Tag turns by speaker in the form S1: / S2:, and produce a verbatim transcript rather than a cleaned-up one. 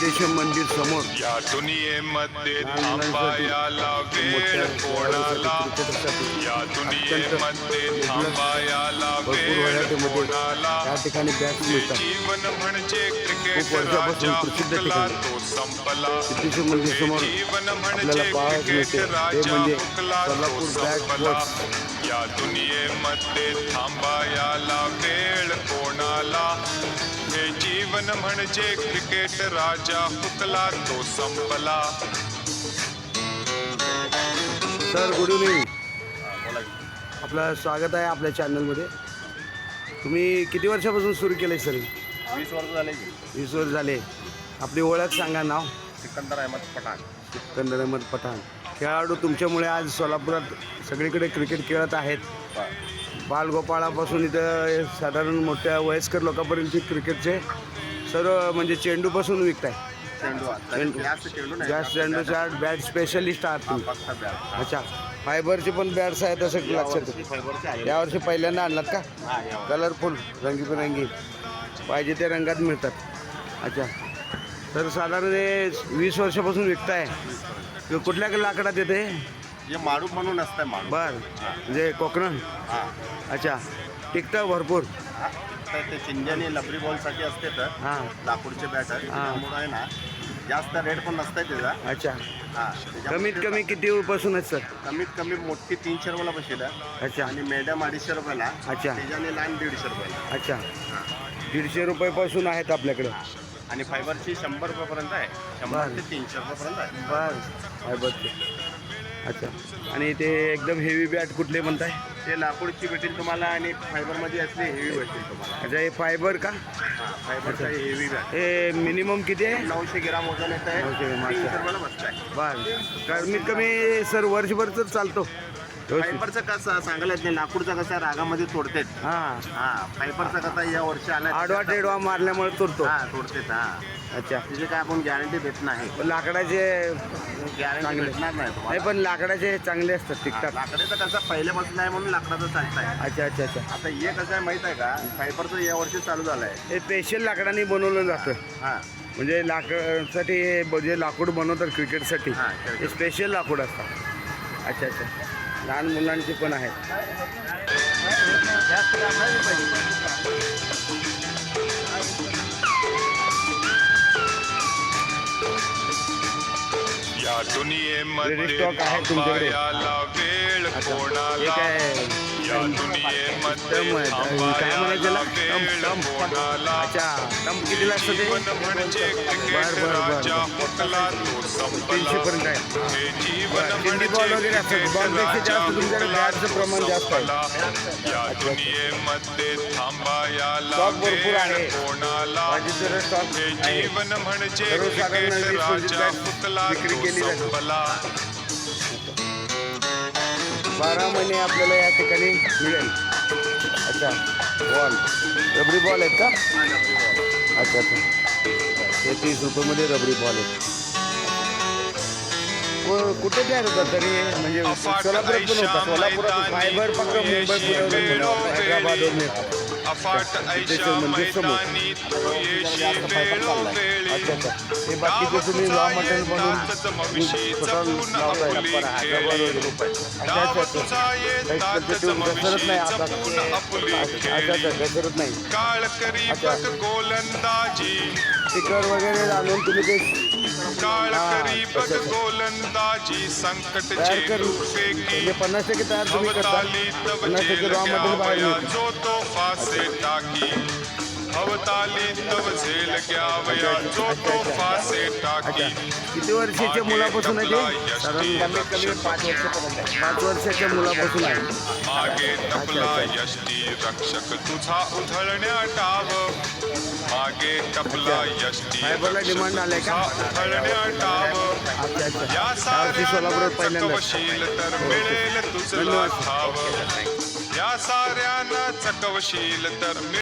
S1: सिद्धेश्वर मंदिर समोर
S2: या दुनियेमध्ये थांबायला वेळ कोणाला, या दुनियेमध्ये थांबायला वेळ कोणाला.
S1: त्या ठिकाणी बॅट मिळतात.
S2: जीवन म्हणजे क्रिकेट
S1: खूप वर्षापासून
S2: राजा
S1: प्रसिद्ध
S2: हुकला
S1: ठिकाण
S2: तो संपला.
S1: सिद्धेश्वर मंदिर समोर
S2: जीवन
S1: आपल्याला
S2: म्हणजे
S1: पाहायला
S2: क्रिकेट
S1: मिळते ते
S2: राजा
S1: म्हणजे
S2: हुकला तो
S1: सोलापूर बॅट
S2: संपला.
S1: बॉक्स.
S2: या दुनियेमध्ये थांबायला वेळ कोणाला. हे जीवन म्हणजे क्रिकेट राजा हुकला तो संपला.
S1: Sir good evening. आपलं स्वागत आहे आपल्या चॅनलमध्ये. तुम्ही किती वर्षापासून सुरू केलं आहे सर?
S3: वीस वर्ष झाले.
S1: वीस वर्ष झाले. आपली ओळख सांगा. नाव?
S3: सिकंदर अहमद पठाण.
S1: सिकंदर अहमद पठाण. खेळाडू तुमच्यामुळे आज सोलापुरात सगळीकडे क्रिकेट खेळत आहेत. बालगोपाळापासून इथं साधारण मोठ्या वयस्कर लोकांपर्यंत क्रिकेटचे सर्व म्हणजे चेंडूपासून विकताय.
S3: चेंडू
S1: चेंडू
S3: जास्त चेंडू नाही,
S1: जास्त चेंडूच्या बॅट स्पेशलिस्ट आहात तुम्ही.
S3: फक्त बॅट.
S1: अच्छा, फायबरचे पण बॅट्स आहेत असं लक्षात येतं.
S3: फायबरचे आहे.
S1: यावर्षी पहिल्यांदा आणलात का?
S3: हा, यावर.
S1: कलरफुल रंगीबेरंगी पाहिजे त्या रंगात मिळतात. अच्छा, तर साधारण हे वीस वर्षापासून विकताय. कुठल्या लाकडात येते?
S3: हे माडू म्हणून असतं माडू.
S1: बर, म्हणजे कोकण.
S3: हा.
S1: अच्छा, टिकतं भरपूर.
S3: हा. तर ते चिंजनी लबरी बॉलसाठी असते तर
S1: हां.
S3: लाकूडचे बॅट आहे त्यामुळे आहे ना जास्त रेट पण नसतं त्याचा.
S1: अच्छा,
S3: हा.
S1: कमीत कमी किती पासून आहेत सर?
S3: कमीत कमी मोठी तीनशे रुपयाला बसेल
S1: अच्छा
S3: आणि मॅडम अडीचशे रुपयाला.
S1: अच्छा.
S3: त्याच्याने लहान दीडशे रुपयाला.
S1: अच्छा, दीडशे रुपयापासून आहेत आपल्याकडे.
S3: आणि फायबरची शंभर रुपयापर्यंत आहे. शंभर
S1: बरं.
S3: ते तीनशे रुपयापर्यंत आहे.
S1: बर, फायबरचे. अच्छा, आणि ते एकदम हेवी बॅट कुठले म्हणताय?
S3: ते लाकूडची भेटेल तुम्हाला आणि फायबरमध्ये असले हेवी भेटेल तुम्हाला.
S1: अच्छा, हे फायबर का?
S3: हा, फायबरचा हेवी बॅग.
S1: हे मिनिमम किती आहे?
S3: नऊशे ग्राम वजन येत आहे.
S1: नऊशे ग्राम,
S3: तीनशे
S1: अच्छा.
S3: रुपयाला बसत आहे.
S1: बर, कमीत कमी सर वर्षभर तर चालतो.
S3: फायबरचं कसं सांगायला येत नाही. लाकूडचा कसा रागामध्ये तोडतेत.
S1: हां,
S3: हा, फायबरचा कसा या वर्षी आला
S1: आडवा टेडवा मारल्यामुळे तुरतो.
S3: हा तोडतेत. हा,
S1: अच्छा,
S3: तिथे काय आपण गॅरंटी देत नाही.
S1: पण लाकडाचे
S3: गॅरंटी
S1: चांगले.
S3: भेटणार नाही
S1: नाही,
S3: तुम्हाला.
S1: पण लाकडाचे चांगले असतात,
S3: हा,
S1: टिकतात.
S3: लाकडाचं कसं पहिल्यापासून आहे म्हणून लाकडाचं चालत आहे.
S1: अच्छा अच्छा अच्छा,
S3: आता हे कसं आहे माहित आहे का, फायबरचं या वर्षी चालू झालं आहे.
S1: हे स्पेशल लाकडाने बनवलं जातं.
S3: हा,
S1: म्हणजे लाकडासाठी हे जे लाकूड बनवतात क्रिकेटसाठी
S3: हा,
S1: हे स्पेशल लाकूड असतात. अच्छा अच्छा, लहान मुलांची पण आहेत.
S2: या दुनियेमध्ये
S1: Ready stock आहे तुमच्याकडे?
S2: थांबायला वेळ
S1: अच्छा, हे
S2: कोणाला.
S1: काय
S2: या दुनियेमध्ये
S1: टम आहे. काय म्हणायचं
S2: थांबायला
S1: त्याला?
S2: वेळ
S1: टम, टम.
S2: कोणाला.
S1: अच्छा, टम कितीला असतं ते?
S2: जीवन म्हणजे क्रिकेट
S1: बर, बर, बर.
S2: राजा हुकला तो संपला.
S1: तीनशे पर्यंत आहे.
S2: हे जीवन
S1: बरं,
S2: म्हणजे
S1: हिंदी बॉल वगैरे असतात.
S2: क्रिकेट
S1: बॉलपेक्षा
S2: राजा
S1: जास्त तुमच्याकडे
S2: हुकला
S1: बॅटचं
S2: तो
S1: प्रमाण जास्त आहे.
S2: संपला. या दुनियेमध्ये थांबायला
S1: स्टॉक भरपूर आहे.
S2: वेळ कोणाला.
S1: बाकीचं स्टॉक
S2: हे
S1: आहे.
S2: जीवन म्हणजे
S1: सर्वसाधारण
S2: क्रिकेट
S1: वीस पंचवीस
S2: राजा
S1: बॅट
S2: हुकला
S1: विक्री
S2: तो
S1: केली जाते.
S2: संपला.
S1: बारा महिने आपल्याला या ठिकाणी मिळेल. अच्छा, बॉल रबरी बॉल आहेत का? अच्छा अच्छा, हे तीस रुपयामध्ये रबरी बॉल आहेत. व कुठे तयार होतात तरी हे? म्हणजे सोलापुरात पण होतात. सोलापुरात फायबर फक्त मुंबई पुण्यावरून हैदराबादवरून येतात.
S2: अफाट ऐशा
S1: सिद्धेश्वर मंदिर समोर.
S2: मैदानी तू येशी वेळोवेळी.
S1: अच्छा अच्छा, हे बाकीचे तुम्ही रॉ मटेरियल बनवून स्वतः लावताय. अच्छा अच्छा अच्छा, काही घसरत नाही आता. अच्छा अच्छा, घसरत नाही.
S2: काळ करी
S1: अच्छा.
S2: बघ गोलंदाजी.
S1: स्टिकर वगैरे आणून तुम्ही ते
S2: काळ
S1: हा,
S2: करी बघ
S1: अच्छा, अच्छा.
S2: गोलंदाजी. संकट
S1: तयार कर
S2: चेंडू फेकी.
S1: म्हणजे पन्नास टक्के तयार तुम्ही करता.
S2: अवताली तव
S1: पन्नास टक्के
S2: झेल
S1: रॉ मटेरियल बाहेर
S2: घ्यावया
S1: मिळतं.
S2: जो तो फासे टाकी. अवताली तव झेल घ्यावया जो तो फासे टाकी.
S1: किती वर्षाच्या मुलापासून आहे ते? साधारण कमीत कमी पाच वर्षापर्यंत. पाच वर्षाच्या मुलापासून आहे.
S2: मागे टपला यष्टी रक्षक तुझा उधळण्या टाव. मागे टपला यष्टी
S1: फायबरला डिमांड आलाय का?
S2: उधळण्या टाव.
S1: अच्छा अच्छा,
S2: या
S1: यावर्षी सोलापुरात
S2: साऱ्यांना
S1: पहिल्यांदा.
S2: चकवशील तर मिळेल तुझला ठाव. या साऱ्यांना चकवशील तर